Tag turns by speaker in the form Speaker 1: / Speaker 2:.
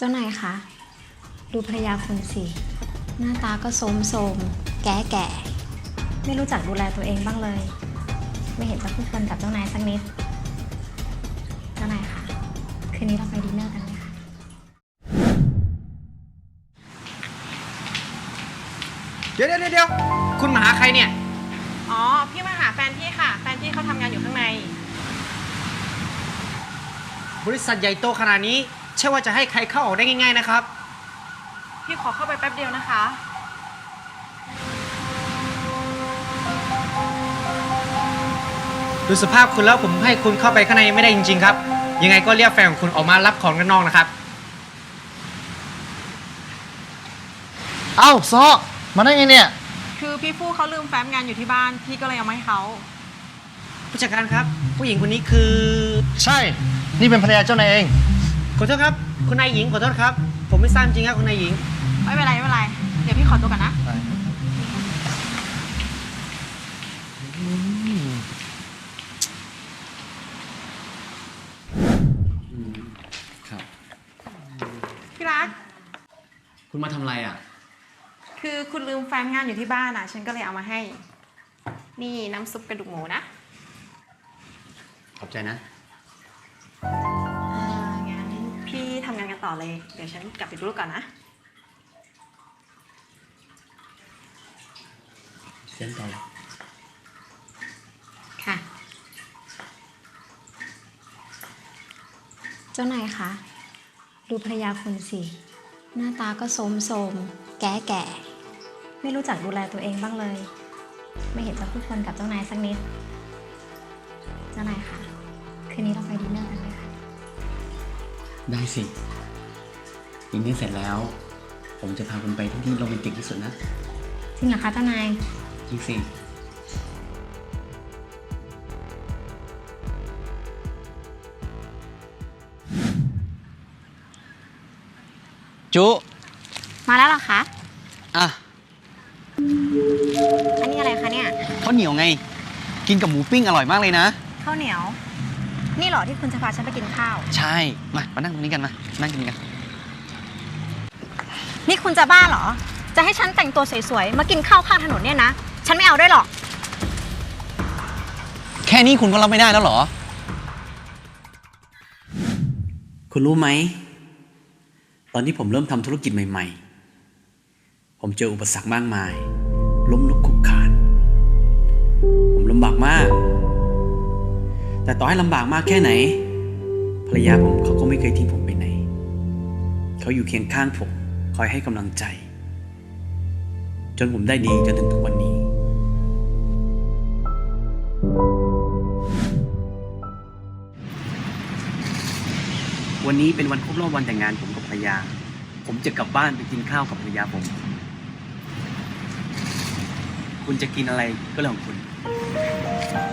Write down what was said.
Speaker 1: จ้านายคะดูภรรยาคุณสิหน้าตาก็โทรมๆแก่ๆไม่รู้จักดูแลตัวเองบ้างเลย ไม่เห็นจะคู่ควรกับเจ้านายสักนิดเจ้านายคะคืนนี้เราไปดินเนอร์กันไหมคะ
Speaker 2: เดี๋ยวคุณมาหาใครเนี่ย
Speaker 3: อ๋อ พี่มาหาแฟนพี่ค่ะ แฟนพี่เขาทำงานอยู่ข้างใน
Speaker 2: บริษัทใหญ่โตขนาดนี้ใช่ว่าจะให้ใครเข้าออกได้ง่ายๆนะครับ
Speaker 3: พี่ขอเข้าไปแป๊บเดียวนะคะ
Speaker 2: ดูสภาพคุณแล้วผมให้คุณเข้าไปข้างในไม่ได้จริงๆครับยังไงก็เรียกแฟนของคุณออกมารับของด้านนอกนะครับ
Speaker 4: เอ้าซอมาได้ไงเนี่ย
Speaker 3: คือพี่ฟู่เขาลืมแฟ้มงานอยู่ที่บ้าน พี่ก็เลยเอามาให้เขา
Speaker 2: ผู้จัดการครับผู้หญิงคนนี้คือ
Speaker 4: ใช่ นี่เป็นภรรยาเจ้านายเอง
Speaker 2: ขอโทษครับคุณนายหญิงขอโทษครับผมไม่ทราบจริงครับคุณนายหญิง
Speaker 3: ไม่เป็นไรไม่เป็นไร เดี๋ยวพี่ขอตัวก่อนนะ
Speaker 5: ครับ
Speaker 3: พี่รัก
Speaker 5: คุณมาทำอะไรอ่ะ
Speaker 3: คือคุณลืมแฟ้มงานอยู่ที่บ้านอ่ะ ฉันก็เลยเอามาให้ นี่น้ำซุปกระดูกหมูนะ
Speaker 5: ขอบใจนะ
Speaker 3: งั้นพี่ทำงานกันต่อเลย เดี๋ยวฉันกลับไปดูลูกก่อนนะ
Speaker 5: เส้นต่อเลย
Speaker 1: ค่ะเจ้านายคะดูภรรยาคุณสิหน้าตาก็โทรมๆแก่ๆไม่รู้จักดูแลตัวเองบ้างเลย ไม่เห็นจะคู่ควรกับเจ้านายสักนิดเจ้านายคะคืนนี้เราไปดินเนอร์กันไหมคะ
Speaker 5: ได้สิอีกนี้เสร็จแล้ว ผมจะพาคุณไปที่โรแมนติกที่สุดนะ
Speaker 1: จริงเหรอคะเจ้านาย
Speaker 5: จริงสิ จุ
Speaker 1: มาแล้วเหรอคะ
Speaker 5: อ่ะ
Speaker 1: อันนี้อะไรคะเนี่ย
Speaker 5: ข้าวเหนียวไง กินกับหมูปิ้งอร่อยมากเลยนะ
Speaker 1: ข้าวเหนียว นี่เหรอที่คุณจะพาฉันไปกินข้าว
Speaker 5: ใช่ มานั่งตรงนี้กันมา นั่งกินกัน
Speaker 1: นี่คุณจะบ้าเหรอ จะให้ฉันแต่งตัวสวยๆมากินข้าวข้างถนนเนี่ยนะฉันไม่เอาด้วยหรอก
Speaker 5: แค่นี้คุณก็รับไม่ได้แล้วเหรอ คุณรู้ไหม ตอนที่ผมเริ่มทำธุรกิจใหม่ๆ ผมเจออุปสรรคมากมาย ล้มลุกคลุกคลาน ผมลำบากมาก แต่ต่อให้ลำบากมากแค่ไหน ภรรยาผมเขาก็ไม่เคยทิ้งผมไปไหน เขาอยู่เคียงข้างผม คอยให้กำลังใจ จนผมได้ดีจนถึงทุกวันนี้ วันนี้เป็นวันครบรอบวันแต่งงานผมกับภรรยา ผมจะกลับบ้านไปกินข้าวกับภรรยาผม คุณจะกินอะไรก็เรื่องของคุณ